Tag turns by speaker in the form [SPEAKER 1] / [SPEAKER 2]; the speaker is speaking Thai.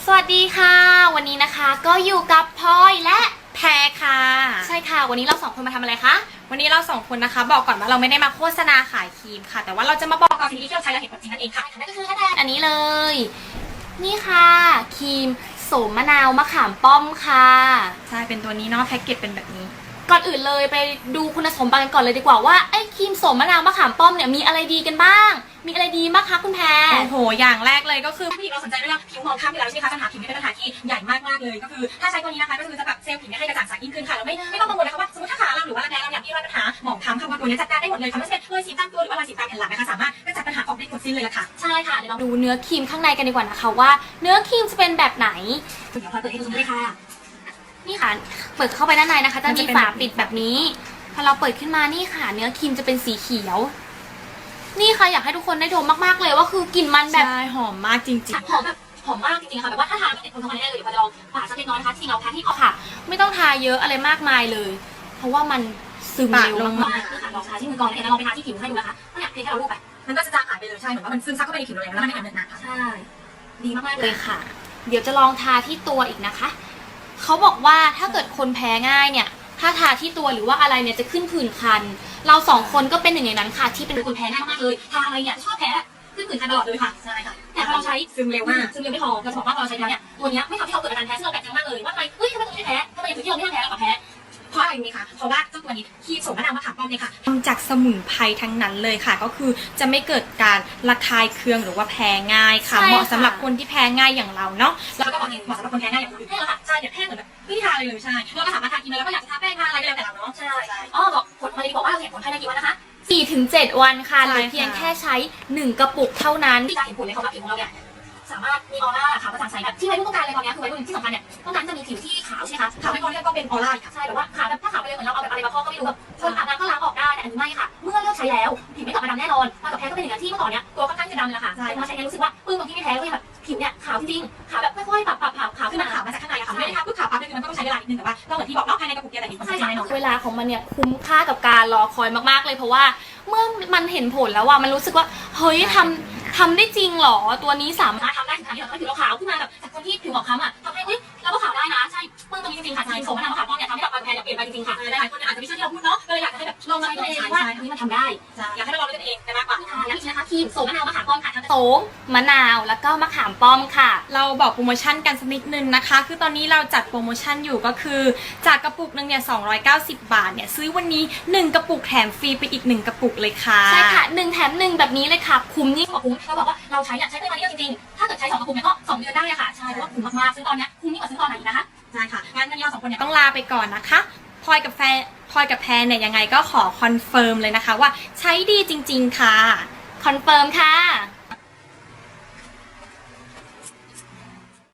[SPEAKER 1] วัสดีค่ะวันนี้นะคะก็อยู่กับพลอยและแพรค่ะใช่ค่ะวันนี้เราสองคนมาทำอะไรคะ
[SPEAKER 2] วันนี้เราสองคนนะคะบอกก่อนว่าเราไม่ได้มาโฆษณาขายครีมค่ะแต่ว่าเราจะมาบอกกับสิ่งที่เราใช้และเห็นผลจริงนั่นเองค่ะ
[SPEAKER 1] นั่นก็คืออันนี้เลยนี่ค่ะครีมโสมมะนาวมะขามป้อมค่ะ
[SPEAKER 2] ใช่เป็นตัวนี้เนาะแพ็กเกจเป็นแบบนี้
[SPEAKER 1] ก่อนอื่นเลยไปดูคุณสมบัติกันก่อนเลยดีกว่าว่าไอ้ครีมโสมมะนาวมะขามป้อมเนี่ยมีอะไรดีกันบ้างมีอะไรดีบ้างคะคุณแพร
[SPEAKER 2] โอ้โหอย่างแรกเลยก็คือ
[SPEAKER 3] ผู้หญิงเราสนใจเรื่องผิวมองข้ามไปแล้วใช่ไหมคะปัญหาผิวเป็นปัญหาที่ใหญ่มากๆเลยก็คือถ้าใช้ตัวนี้นะคะก็คือจะแบบเซลล์ผิวให้กระจ่างใสยิ่งขึ้นค่ะเราไม่ต้องกังวลนะคะว่าสมมติถ้าขาเราหรือว่ารักแร้เราเนี่ยมีปัญหาหมองคล้ำค่ะว่าตัวนี้จัดการได้หมดเลยค่ะไม่ใช่รอยสีตามตัวหรือว่ารอยสีตามแผ่นหลังนะคะสามารถกระจัดปัญหาออกได้หมดสิ้นเลยละค่ะ
[SPEAKER 1] ใช่ค่ะเดี๋ยวเราดูเนื้อครีมข้างในกันดีกว่านะคะว่าเนื้อครีมจะเป็นแบบไหน
[SPEAKER 3] เดี๋ยวพอเปิดให้ดูเลยค่ะ
[SPEAKER 1] นี่ค่ะเปิดเข้าไปด้านในนะคะจะมีฝาปิดแบบนี้พอเราเปิดขึ้นมานี่ค่ะเนื้อครีมจะเป็นสีเขียวนี่ค่ะอยากให้ทุกคนได้ดมมากๆเลยว่าคือกลิ่นมันแบบ
[SPEAKER 2] หอมมากจริง
[SPEAKER 3] ๆหอมแบบหอมมากจริงๆค่ะแบบว่าถ้าทานติดคนทั้งวันได้เลยเดี๋ยวพอจะลองปาดสักเล็กน้อยนะคะที่เราแพ้ที่ออก
[SPEAKER 1] ค่ะไม่ต้องทาเยอะอะไรมากมายเลยเพราะว่ามันซึมเร็วมาก
[SPEAKER 3] คือค่ะลองทาที่มือก่อนแล้วลองไปทาที่ผิวให้ดูนะคะเนี่ยเพียงแค่เราลูบไปมันก็จะจางหายไปเลยใช่เหมือนว่ามันซึมซับเข้าไปในผิวเลยแล้วมันไม่เหนอะหนะ
[SPEAKER 1] ใช่ดีมากๆเลยค่ะเดี๋ยวจะลองทาที่ตัวอีกนะคะเขาบอกว่าถ้าเกิดคนแพ้ง่ายเนี่ยถ้าทาที่ตัวหรือว่าอะไรเนี่ยจะขึ้นผื่นคันเราสองคนก็เป็นหนึ่งในนั้นค่ะที่เป็น
[SPEAKER 3] คนแพ้ง่ายมากเลยทาอะไรเนี่ยชอบแพ้ขึ้นผื่นคันตลอดเลยค่ะใช่ค่ะแต่พอเราใช้ซึมเร็วมากซึมเร็วไม่พอเราบอกว่าพอเราใช้แล้วเนี่ยตัวนี้ไม่ทำให้เราเกิดอาการแพ้ซึ่งเราแปลกใจมากเลยว่าทำไมเฮ้ยทำไมตัวนี้แพ้ทำไมอย่างอื่นที่เราไม่ทำแพ้เราแพ้เพราะอะไรไหมคะเพราะว่าเจ้าตัวนี้ครีมโสมมะนาวมะขามป้อมเนี่ยค่ะ
[SPEAKER 2] ทำจากสมุนไพรทั้งนั้นเลยค่ะก็คือจะไม่เกิดการระคายเคืองหรือว่าแพ้ง่ายค่ะเหมาะสำหรับคนที่แพ้ง่ายอย่างเราเนาะ
[SPEAKER 3] แล้วก็เหมาะสำหรับคนแพ้ง่ายอย่างคุณแพ้เหรอคะใช่เนี่ยแพ้เหมือนแบบไม่ได้ทาอะไรเลยใช่เราก็สามารถทากินแล้วก็อยากจะทาแป้งทาอะไรก็แล้วแต่เราเนาะใช่อ๋อบอกผลพอดีบอกว่าเราเห็นผลภายในกี่วันนะคะ
[SPEAKER 1] 4-7 วันค่ะหรือเพียงแค่ใช้1กระปุกเท่านั้น
[SPEAKER 3] ที่จะเห็นผลเลยค่ะว่าผิวของเราเนี่ยสามารถมีออร่าขาวกระจ่างใสแบบที่วัยรุ่นต้องการเลยตอนนี้คือวัยรุ่นที่สำคัญเนี่ยต้องการจะมีผิวที่ขาวใช่ไหมคะขาวไม่พอเนี่ยก็เป็นออร่าใช่แบบว่าขาวแบบถ้าขาวไปเลยเหมือนเราเอาแบบอะไรมาพอกก็ไม่รู้แบบคนอาบน้ำก็ล้างออกได้แต่อันนี้ไม่ค่ะเมื่อเลิกใช้แล้วผิวไม่กลับมาดำแน่นอนมากับแพ้ก็เป็นอย่างนั้นที่เมื่อก่อนเนี่ยตัวค่อนข้างจะดำเลยค่ะใช่พอใช้แล้วรู้สึกว่าปึ้งตรงที่ไม่แพ้ก็แบบผิวเนี่ยขาวจริงๆขาวแบบค่อยๆปรับขาวขึ้นมาขาวมาจากข้างในค่ะไม่ได้ค่ะปุ๊บขาวปั๊บเลยมันก็ต้องใช้เวลานิดนึงแต่ว่าเราเหมือนที่บอกเนาะภายในกระปุกเดียวแต่เห็นผลใช่แน่นอน
[SPEAKER 1] เวลาของมันเนี่ยคุ้มค่ากับการรอคอยมากๆเลยเพราะว่าเมื่อมันเห็นผลแล้วว่ามันรู้สึกว่าเฮ้ยทำได้จริงหรอตัวนี้สามารถ
[SPEAKER 3] ทำได้ถึงขนาดที่เราผิวเราขาวขึ้นมาแบบจากคนที่ผิวหมองคล้ำอ่ะทำให้เราก็ขาวได้นะใช่เมื่อตรงนี้จริงๆค่ะโสมมะนาวมะขามป้อมเนี่ยทำให้แบบการแพ้เนี่ยเปลี่ยนไปจริงๆค่ะหลายคนอาจจะไม่เชื่อที่เราพูดเนาะก็เลยอยากจะให้แบบลองมาดูเองว่าอันนี้มันทำได้อยากให้เราลองด้วยตัวเองมากกว่าอย่างนี้นะคะครีมโสมมะนาวมะขามป้อมค่ะ
[SPEAKER 1] โสมมะนาวแล้วก็มะขามป้อมค่ะ
[SPEAKER 2] เราบอกโปรโมชั่นกันสักนิดนึงนะคะคือตอนนี้เราจัดโปรโมชั่นอยู่ก็คือจากกระปุกนึงเนี่ย290 บาทเนี่ยซื้อวันนี้1กระปุกแถมฟรีไปอีก1กระปุกเลยค่ะ
[SPEAKER 1] ใช่ค่ะ1แถม1แบบนี้เลยค่ะคุ้มยิ่งกว่า
[SPEAKER 3] คุ้มเราบอกว่าเราใช้ใช้ได้มาเยอะจริงๆถ้าเกิดใช้2กระปุกเนี่ยก็2 เดือนได้อะค่ะใช่เพราะว่าคุ้มมากๆซื้อตอนนี้คุ้มยิ่งกว่าซื้อตอนไหนนะคะใช่ค่ะงั้นวันนี้เรา2 คนเนี่ย
[SPEAKER 2] ต้องลาไปก่อนนะคะพลอยกับแพรเนี่ยยังไงก็ขอคอนเฟิร์มเลยนะคะว่าใช้ดีจริงๆค่ะ
[SPEAKER 1] คอนเฟิร์มค่ะ